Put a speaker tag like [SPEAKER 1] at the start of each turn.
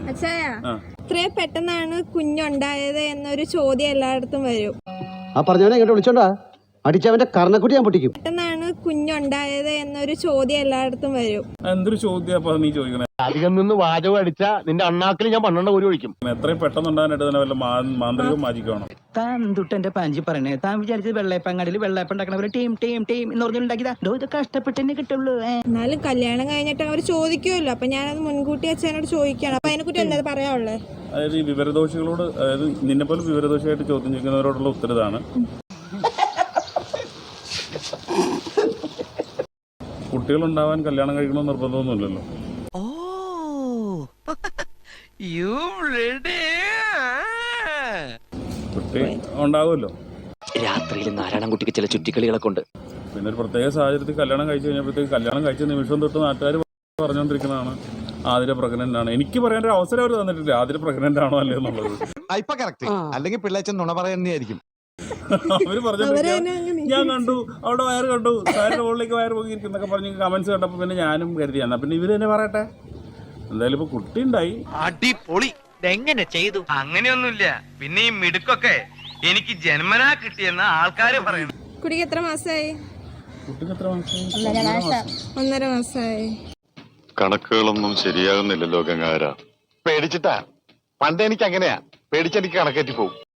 [SPEAKER 1] അച്ഛായ ഇത്രയും പെട്ടെന്നാണ് കുഞ്ഞുണ്ടായത് എന്നൊരു ചോദ്യം എല്ലായിടത്തും വരും.
[SPEAKER 2] ആ പറഞ്ഞവനെ ഇങ്ങോട്ട് വിളിച്ചോണ്ടാ അടിച്ചവന്റെ കർണക്കുട്ടി ഞാൻ പൊട്ടിക്കും.
[SPEAKER 1] പെട്ടെന്നാണ് കുഞ്ഞുണ്ടായത് എന്നൊരു ചോദ്യം എല്ലായിടത്തും വരും.
[SPEAKER 3] എന്തൊരു ചോദ്യം നീ ചോദിക്കണേ?
[SPEAKER 4] അധികം നിന്ന് വാചകം അടിച്ചാ നിന്റെ അണ്ണാക്കിൽ ഞാൻ 12 കോരി ഒഴിക്കും.
[SPEAKER 3] എത്രയും പെട്ടെന്നുണ്ടാകാനായിട്ട് തന്നെ വല്ല മാന്ത്രികവും മാജിക്കാണോ?
[SPEAKER 5] താൻ തൊട്ടെന്റെ പാഞ്ചി പറയണേ. താൻ വിചാരിച്ചത് വെള്ളയപ്പങ്ങാടിയിൽ വെള്ളയപ്പം ഉണ്ടാക്കണ ടീം ടീം ടീം എന്ന് പറഞ്ഞുണ്ടാക്കിയതാ. ഇത് കഷ്ടപ്പെട്ടെന്നെ കിട്ടുള്ളൂ.
[SPEAKER 1] എന്നാലും കല്യാണം കഴിഞ്ഞിട്ട് അവർ ചോദിക്കുമല്ലോ, അപ്പൊ ഞാനത് മുൻകൂട്ടി അച്ഛനോട് ചോദിക്കണം. അപ്പൊ അതിനെക്കുറിച്ച് എന്താ പറയാനുള്ളത്?
[SPEAKER 3] അതായത് ഈ വിവരദോഷികളോട്, അതായത് നിന്നെ പോലെ വിവരദോഷിയായിട്ട് ചോദ്യം ചോദിക്കുന്നവരോടുള്ള ഉത്തരവാണ്. കുട്ടികളുണ്ടാവാൻ കല്യാണം കഴിക്കണമെന്ന് നിർബന്ധമൊന്നുമില്ലല്ലോ. കുട്ടി ഉണ്ടാവുമല്ലോ.
[SPEAKER 6] രാത്രിയിൽ നാരായണൻകുട്ടിക്ക് ചില ചുറ്റിക്കളികളൊക്കെ ഉണ്ട്.
[SPEAKER 3] പിന്നെ ഒരു പ്രത്യേക സാഹചര്യത്തിൽ കല്യാണം കഴിച്ചു കഴിഞ്ഞപ്പോഴത്തേക്ക് കല്യാണം കഴിച്ച നിമിഷം തൊട്ട് നാട്ടുകാർ പറഞ്ഞുകൊണ്ടിരിക്കുന്നതാണ് ആതിര പ്രഗ്നന്റ് ആണ്. എനിക്ക് പറയാൻ ഒരു അവസരം അവർ തന്നിട്ടില്ല, ആതിര പ്രഗ്നന്റ് ആണോ അല്ലേ എന്നുള്ളത്.
[SPEAKER 7] അല്ലെങ്കിൽ പിള്ളേച്ചൻ നുണ പറയുന്നതായിരിക്കും.
[SPEAKER 3] അവര് പറഞ്ഞിട്ട് ഞാൻ കണ്ടു, അവിടെ വയറ് കണ്ടു, സാറിന്റെ മുകളിലേക്ക് വയറ് പോയിരിക്കുന്നൊക്കെ പറഞ്ഞ് കമന്റ്സ് കണ്ടപ്പോ പിന്നെ ഞാനും കരുതി എന്നാ പിന്നെ ഇവര് തന്നെ പറയട്ടെ. എന്തായാലും ഇപ്പൊ കുട്ടി ഉണ്ടായി.
[SPEAKER 8] അടിപൊളി. എങ്ങനെ ചെയ്തു? അങ്ങനെയൊന്നുമില്ല. പിന്നെ ഈ മിടുക്കൊക്കെ എനിക്ക് ജന്മനാ കിട്ടിയെന്ന ആൾക്കാര് പറയുന്നു.
[SPEAKER 1] കുട്ടിക്ക് എത്ര മാസമായി?
[SPEAKER 3] കുട്ടിക്ക് എത്ര മാസമായി?
[SPEAKER 1] 1.5 മാസമായി.
[SPEAKER 9] കണക്കുകളൊന്നും ശരിയാകുന്നില്ലല്ലോ ഗംഗാര.
[SPEAKER 4] പേടിച്ചിട്ടാ. പണ്ട് എനിക്ക് അങ്ങനെയാ, പേടിച്ചെനിക്ക് കണക്കേറ്റി പോകും.